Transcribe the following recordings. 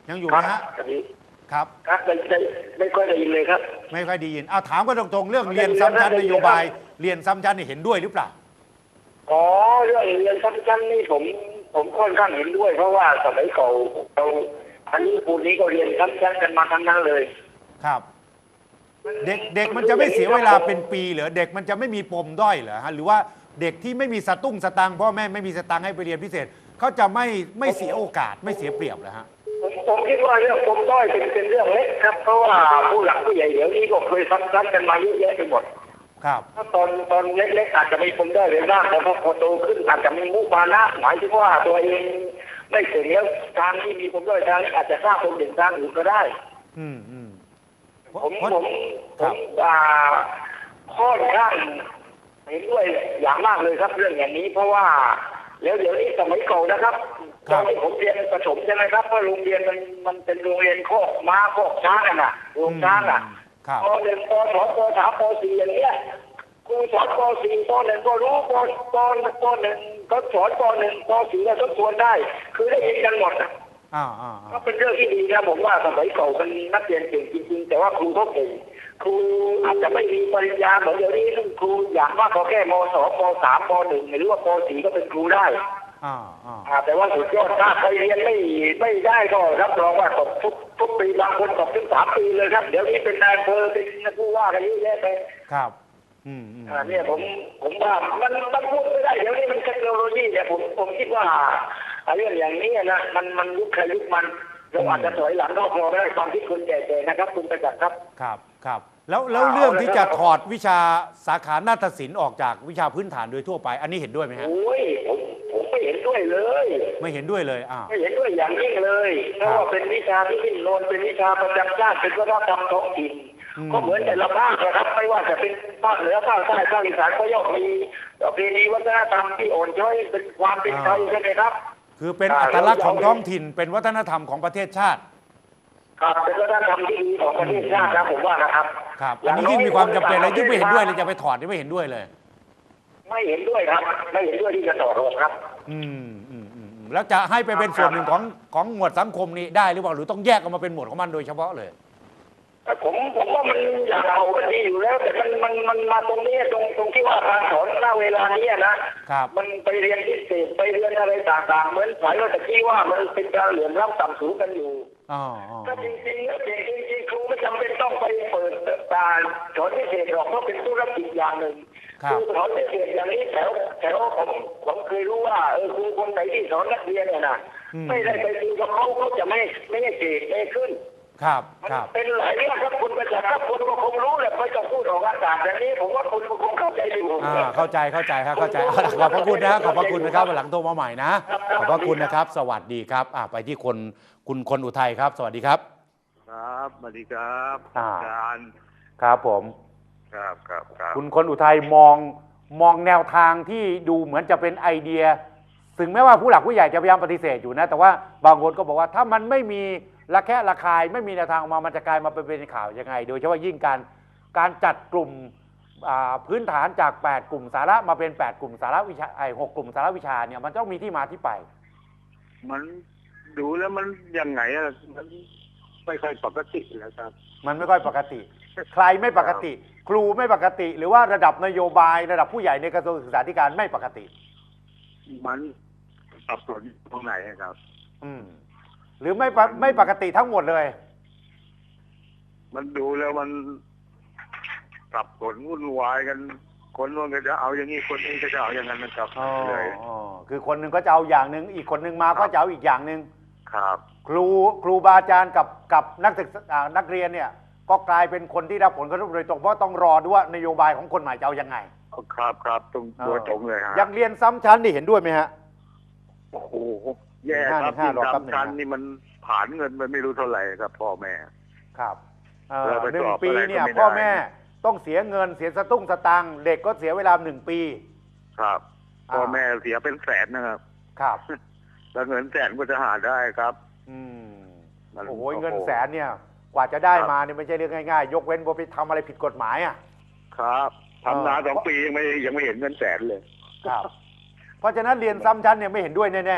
ยังอยู่ไหมฮะครับครับไม่ค่อยได้ยินเลยครับไม่ค่อยได้ยินเอาถามกันตรงๆเรื่องเรียนซ้ำชั้นนโยบายเรียนซ้ำชั้นนี่เห็นด้วยหรือเปล่าอ๋อเรื่องเรียนซ้ำชั้นนี่ผมค่อนข้างเห็นด้วยเพราะว่าสมัยเก่าเราอันนี้ปูนี้ก็เรียนซ้ำชั้นกันมาทั้งนั้นเลยครับเด็กมันจะไม่เสียเวลาเป็นปีเหรอเด็กมันจะไม่มีปมด้อยเหรอฮะหรือว่าเด็กที่ไม่มีสตุ้งสตังค์พ่อแม่ไม่มีสตังค์ให้ไปเรียนพิเศษเขาจะไม่เสียโอกาสไม่เสียเปรียบเหรอฮะผมคิดว่าเรื่องปมด้อยเป็นเรื่องเล็กครับเพราะว่าผู้หลักผู้ใหญ่เดี๋ยวนี้ก็เคยซ้ำกันมาเยอะแยะไปหมดครับถ้าตอนเล็กๆอาจจะมีปมด้อยเลยบ้างแต่พอโตขึ้นอาจจะมีมุมานะหมายถึงว่าตัวเองไม่เสร็จแล้วทางที่มีปมด้อยทางอาจจะสร้างปมเด่นทางอื่นก็ได้ผมค่อนข้างเห็นด้วยอย่างมากเลยครับเรื่องอย่างนี้เพราะว่าแล้วเดี๋ยวนี้สมัยเก่านะครับตอนผมเรียนประถมใช่ไหมครับเพราะโรงเรียนมันเป็นโรงเรียนโคกม้าโคกช้างกันน่ะโรงช้างอ่ะป.1 ป.2 ป.3 ป.4 อย่างเงี้ยครูสอนป.4 ป.1 ก็รู้ป.1 ก็สอนป.1 ป.4 ก็ทบทวนได้คือได้ยินกันหมดอ่ะก็เป็นเรื่องที่ดีนะผมว่าสมัยเก่าเป็นนักเรียนเก่งจริงๆแต่ว่าครูเขาเก่งครูอาจจะไม่มีปริญญาเหมือนเดี๋ยวนี้ครูอย่างมากก็แค่ม.2 ป.3 ป.1 หรือว่าป.4 ก็เป็นครูได้แต่ว่าสุดยอดถ้าใครเรียนไม่ได้ก็รับรองว่าตกทุกปีบางคนตกถึง3 ปีเลยครับเดี๋ยวนี้เป็นนายอำเภอเป็นผู้ว่ากันเยอะแยะไปครับเนี่ยผมว่ามันพูดไม่ได้เดี๋ยวนี้มันเทคโนโลยีเนี่ยผมคิดว่าเรื่องอย่างนี้นะมันยุคใครยุคมันเราอาจจะถอยหลังนอกรอได้ความคิดคุณแก่ๆนะครับคุณประจักษ์ครับครับแล้วเรื่องที่จะถอดวิชาสาขานาฏศิลป์ออกจากวิชาพื้นฐานโดยทั่วไปอันนี้เห็นด้วยไหมฮะโอ้ยผมไม่เห็นด้วยเลยไม่เห็นด้วยเลยไม่เห็นด้วยอย่างยิ่งเลยเพราะว่าเป็นวิชาที่ดิ้นรนเป็นวิชาประจำชาติเป็นวัฒนธรรมท้องถิ่นก็เหมือนแต่ละภาคนะครับไม่ว่าจะเป็นภาคเหนือภาคใต้ภาคอีสานก็ย่อมมีประเพณีวัฒนธรรมที่อ่อนช้อยเป็นความเป็นไทยใช่ไหมครับคือเป็นอัตลักษณ์ของท้องถิ่นเป็นวัฒนธรรมของประเทศชาติครับเป็นวัฒนธรรมที่ดีของประเทศชาติครับผมว่านะครับอันนี้ยิ่งมีความจำเป็นเลยยิ่งไม่เห็นด้วยเลยจะไปถอดนี่ไม่เห็นด้วยเลยไม่เห็นด้วยครับไม่เห็นด้วยที่จะถอดออกครับแล้วจะให้ไปเป็นส่วนหนึ่งของหมวดสังคมนี้ได้หรือเปล่าหรือต้องแยกออกมาเป็นหมวดของมันโดยเฉพาะเลยผมว่ามันอย่างเรามันดีอยู่แล้วแต่มันมาตรงนี้ตรงที่ว่าการสอนณเวลานี้นะมันไปเรียนพิเศษไปเรียนอะไรต่างๆเหมือนสายว่าตะกี้ว่ามันเป็นการเหลื่อมล้ำต่ำสูงกันอยู่ถ้าจริงๆแล้วจริงครูไม่จำเป็นต้องไปเปิดการสอนพิเศษหรอกเพราะเป็นธุรกิจอย่างหนึ่งคือสอนพิเศษอย่างนี้แถวผมเคยรู้ว่าครูคนไหนที่สอนนักเรียนเนี่ยนะไม่ได้ไปดูกับเขาจะไม่ได้เก่งไม่ขึ้นครับเป็นหลายเรื่องครับคุณประจักษ์ครับคุณก็คงรู้แหละไม่ต้องพูดออกอากาศแบบนี้ผมว่าคุณคงเข้าใจดีเข้าใจครับเข้าใจขอบพระคุณนะขอบพระคุณนะครับวันหลังโทรมาใหม่นะขอบพระคุณนะครับสวัสดีครับไปที่คุณคนอุทัยครับสวัสดีครับครับสวัสดีครับอาจารย์ครับผมครับคุณคนอุทัยมองแนวทางที่ดูเหมือนจะเป็นไอเดียถึงแม้ว่าผู้หลักผู้ใหญ่จะพยายามปฏิเสธอยู่นะแต่ว่าบางคนก็บอกว่าถ้ามันไม่มีระแคะระคายไม่มีแนวทางออกมามันจะกลายมาเป็นข่าวยังไงโดยเฉพาะยิ่งการจัดกลุ่มพื้นฐานจาก8กลุ่มสาระมาเป็น8กลุ่มสาระวิชา6กลุ่มสาระวิชาเนี่ยมันต้องมีที่มาที่ไปมันดูแล้วมันยังไงมันไม่ค่อยปกติแล้วครับมันไม่ค่อยปกติใครไม่ปกติครูไม่ปกติหรือว่าระดับนโยบายระดับผู้ใหญ่ในกระทรวงศึกษาธิการไม่ปกติมันสับสนตรงไหนครับหรือไม่ปกติทั้งหมดเลยมันดูแล้วมันสับสนวุ่นวายกันคนนู้นก็จะเอาอย่างนี้คนนี้ก็จะเอาอย่างนั้นนะครับเลยคือคนหนึ่งก็จะเอาอย่างหนึ่งอีกคนหนึ่งมาก็จะเอาอีกอย่างหนึ่งครับครูบาอาจารย์กับนักเรียนเนี่ยก็กลายเป็นคนที่รับผลกระทบโดยตรงเพราะต้องรอดูว่านโยบายของคนใหม่จะเอายังไงครับตรงตัวตรงเลยฮะยังเรียนซ้ำชั้นนี่เห็นด้วยไหมฮะโอ้โหแย่ครับที่ซ้ำชั้นนี่มันผ่านเงินไปไม่รู้เท่าไหร่ครับพ่อแม่ครับ1 ปีเนี่ยพ่อแม่ต้องเสียเงินเสียสตุ้งสตังค์เด็กก็เสียเวลา1 ปีครับพ่อแม่เสียเป็นแสนนะครับแล้วเงินแสนก็จะหาได้ครับโอ้โหเงินแสนเนี่ยกว่าจะได้มาเนี่ยไม่ใช่เรื่องง่ายๆยกเว้นว่าไปทำอะไรผิดกฎหมายครับทำงาน2 ปียังไม่เห็นเงินแสนเลยครับเพราะฉะนั้นเรียนซ้ำชั้นเนี่ยไม่เห็นด้วยแน่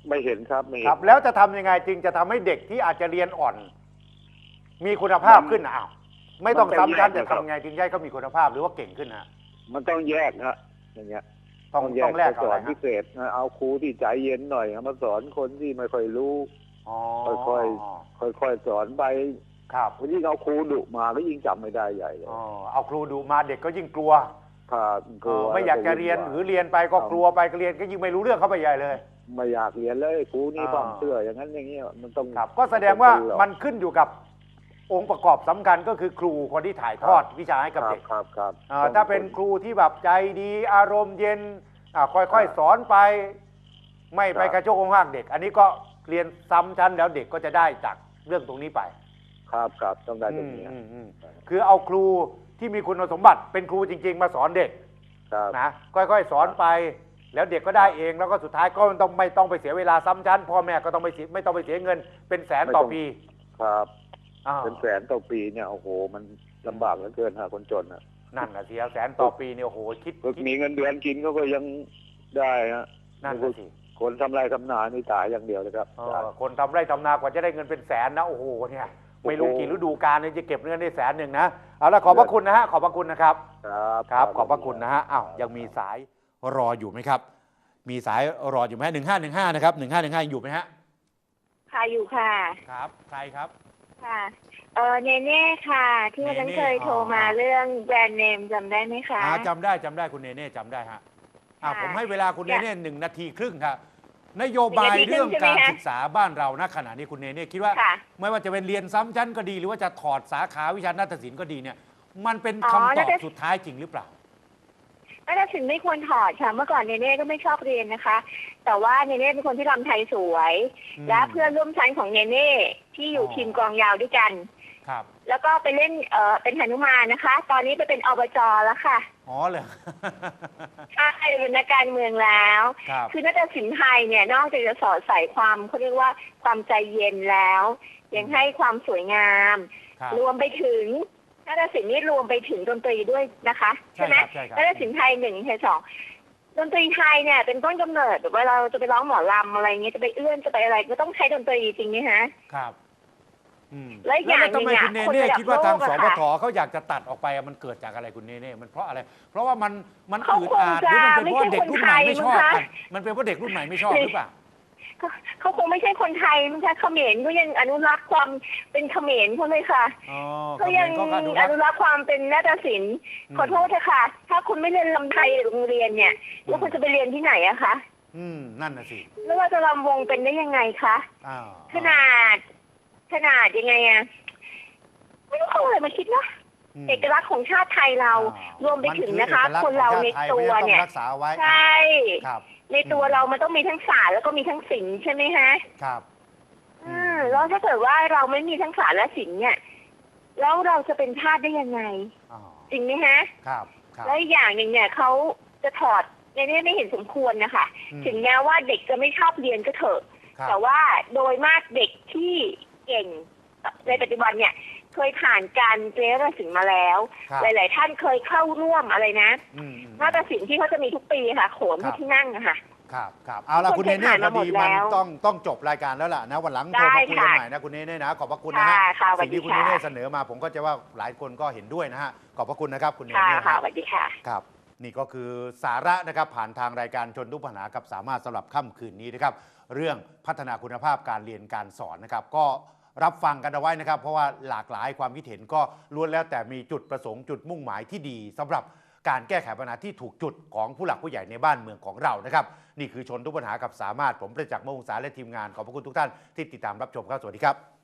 ไม่เห็นครับไม่เห็คน รับ แล้วจะทำยังไงจึงจะทำให้เด็กที่อาจจะเรียนอ่อน มีคุณภาพขึ้นอ้าวไม่ต้องซ้ำชั้นแต่ทำไงจึงให้เขามีคุณภาพหรือว่าเก่งขึ้นฮะมันต้องแยกนะอย่างเงี้ยต้องแลกสอะไรอนพิฮะเศษนะเอาครูที่ใจเย็นหน่อยมาสอนคนที่ไม่ค่อยรู้อ๋อค่อยๆสอนไปครับยิ่งเอาครูดุมาก็ยิ่งจำไม่ได้ใหญ่เลยอ๋อเอาครูดูมาเด็กก็ยิ่งกลัวครับกลัวไม่อยากจะเรียนหรือเรียนไปก็กลัวไปก็เรียนก็ยิ่งไม่รู้เรื่องเข้าไปใหญ่เลยไม่อยากเรียนเลยครูนี่ความเชื่ออย่างนั้นอย่างนี้มันต้องครับก็แสดงว่ามันขึ้นอยู่กับองค์ประกอบสำคัญก็คือครูคนที่ถ่ายทอดวิชาให้กับเด็กครับถ้าเป็นครูที่แบบใจดีอารมณ์เย็นค่อยๆสอนไป ไม่ไปกระโจกงหากเด็ก อันนี้ก็เรียนซ้ำชั้นแล้วเด็กก็จะได้จากเรื่องตรงนี้ไปครับต้องได้ตรงนี้คือเอาครูที่มีคุณสมบัติเป็นครูจริงๆมาสอนเด็กครับนะค่อยๆสอนไป แล้วเด็กก็ได้เองแล้วก็สุดท้ายก็ไม่ต้องไปเสียเวลาซ้ำชั้นพ่อแม่ก็ต้องไม่ต้องไปเสียเงินเป็นแสนต่อปีครับอ้าวเป็นแสนต่อปีเนี่ยโอ้โหมันลำบากเหลือเกินหาคนจนอ่ะนั่นนะเสียแสนต่อปีเนี่ยโอ้โหคิดมีเงินเดือนกินเขาก็ยังได้ฮะนั่นนะสิคนทำไรทำนานี่ตายอย่างเดียวเลยครับคนทำไร่ทำนากว่าจะได้เงินเป็นแสนนะโอ้โหเนี่ยไม่รู้กี่ฤดูกาลเนี่ยจะเก็บเงินได้100,000นะเอาละขอบพระคุณนะฮะขอบพระคุณนะครับ ครับขอบพระคุณนะฮะอ้าวยังมีสายรออยู่ไหมครับ มีสายรออยู่ไหม1515นะครับ1515อยู่ไหมฮะค่ะอยู่ค่ะครับใครครับค่ะเนเน่ค่ะ ที่วันนั้นเคยโทรมาเรื่องแบรนด์เนมจำได้ไหมคะจำได้คุณเนเน่จำได้ฮะผมให้เวลาคุณเนเน่1 นาทีครึ่งครับนโยบายเรื่องการศึกษาบ้านเราณขณะนี้คุณเนเน่คิดว่าไม่ว่าจะเป็นเรียนซ้ำชั้นก็ดีหรือว่าจะถอดสาขาวิชานาฏศิลป์ก็ดีเนี่ยมันเป็นคำตอบสุดท้ายจริงหรือเปล่านาฏศิลป์ไม่ควรถอดค่ะเมื่อก่อนเนเน่ก็ไม่ชอบเรียนนะคะ แต่ว่าเนเน่เป็นคนที่รำไทยสวยและเพื่อนร่วมชั้นของเนเน่ที่อยู่ทีมกลองยาวด้วยกันครับแล้วก็ไปเล่นเป็นหนุมานนะคะ ตอนนี้ไปเป็นอบจแล้วค่ะอ๋อเลยใช่เป็นนักการเมืองแล้วคือนาฏศิลป์ไทยเนี่ยนอกจากจะสอดใส่ความเขาเรียกว่าความใจเย็นแล้วยังให้ความสวยงามรวมไปถึงนาฏศิลป์นี่รวมไปถึงดนตรีด้วยนะคะใช่ไหมนาฏศิลป์ไทย1 ไทย 2ดนตรีไทยเนี่ยเป็นต้นกำเนิดเวลาเราจะไปร้องหมอลำอะไรเงี้ยจะไปเอื้อนจะไปอะไรก็ต้องใช้ดนตรีจริงไหมฮะครับแล้วอย่างนึงเนี่ยคุณเนเน่คิดว่าทางสปทเขาอยากจะตัดออกไปมันเกิดจากอะไรคุณเนเน่มันเพราะอะไรเพราะว่ามันอืดอาดหรือมันเป็นเพราะเด็กรุ่นใหม่ไม่ชอบมันเป็นเพราะเด็กรุ่นใหม่ไม่ชอบหรือเปล่าเขาคงไม่ใช่คนไทยมันใช่เขมรก็ยังอนุรักษ์ความเป็นเขมรเขาเลยค่ะเขายังอนุรักษ์ความเป็นนาฏศิลป์ขอโทษเถอะค่ะถ้าคุณไม่เรียนลำไทยโรงเรียนเนี่ยแล้วคุณจะไปเรียนที่ไหนอะคะนั่นน่ะสิแล้วเราจะรำวงเป็นได้ยังไงคะขนาดยังไงอะไม่รู้เขาอะไรมาคิดนะเอกลักษณ์ของชาติไทยเรารวมไปถึงนะคะคนเราในตัวเนี่ยใช่ในตัวเรามันต้องมีทั้งศาสตร์แล้วก็มีทั้งศิลป์ใช่ไหมฮะครับแล้วถ้าเกิดว่าเราไม่มีทั้งศาสตร์และศิลป์เนี่ยแล้วเราจะเป็นชาติได้ยังไงจริงไหมฮะครับแล้วอย่างหนึ่งเนี่ยเขาจะถอดในนี้ไม่เห็นสมควรนะคะถึงแม้ว่าเด็กจะไม่ชอบเรียนก็เถอะแต่ว่าโดยมากเด็กที่เก่งในปัจจุบันเนี่ยเคยผ่านการเรียนนาฏศิลป์มาแล้วหลายๆท่านเคยเข้าร่วมอะไรนะนาฏศิลป์ที่เขาจะมีทุกปีค่ะโขนที่นั่งอะค่ะครับเอาล่ะคุณเนเน่พอดีมันต้องจบรายการแล้วล่ะนะวันหลังโทรมาคุยกันใหม่นะคุณเนเน่นะขอบพระคุณนะฮะสิ่งที่คุณเนเน่เสนอมาผมก็จะว่าหลายคนก็เห็นด้วยนะฮะขอบพระคุณนะครับคุณเนเน่ค่ะสวัสดีค่ะครับนี่ก็คือสาระนะครับผ่านทางรายการชนทุกปัญหากับสามารถสำหรับค่ำคืนนี้นะครับเรื่องพัฒนาคุณภาพการเรียนการสอนนะครับก็รับฟังกันเอาไว้นะครับเพราะว่าหลากหลายความคิดเห็นก็ล้วนแล้วแต่มีจุดประสงค์จุดมุ่งหมายที่ดีสำหรับการแก้ไขปัญหาที่ถูกจุดของผู้หลักผู้ใหญ่ในบ้านเมืองของเรานะครับนี่คือชนทุกปัญหากับสามารถผมประจักษ์ มวงศาและทีมงานขอบพระคุณทุกท่านที่ติดตามรับชมครับสวัสดีครับ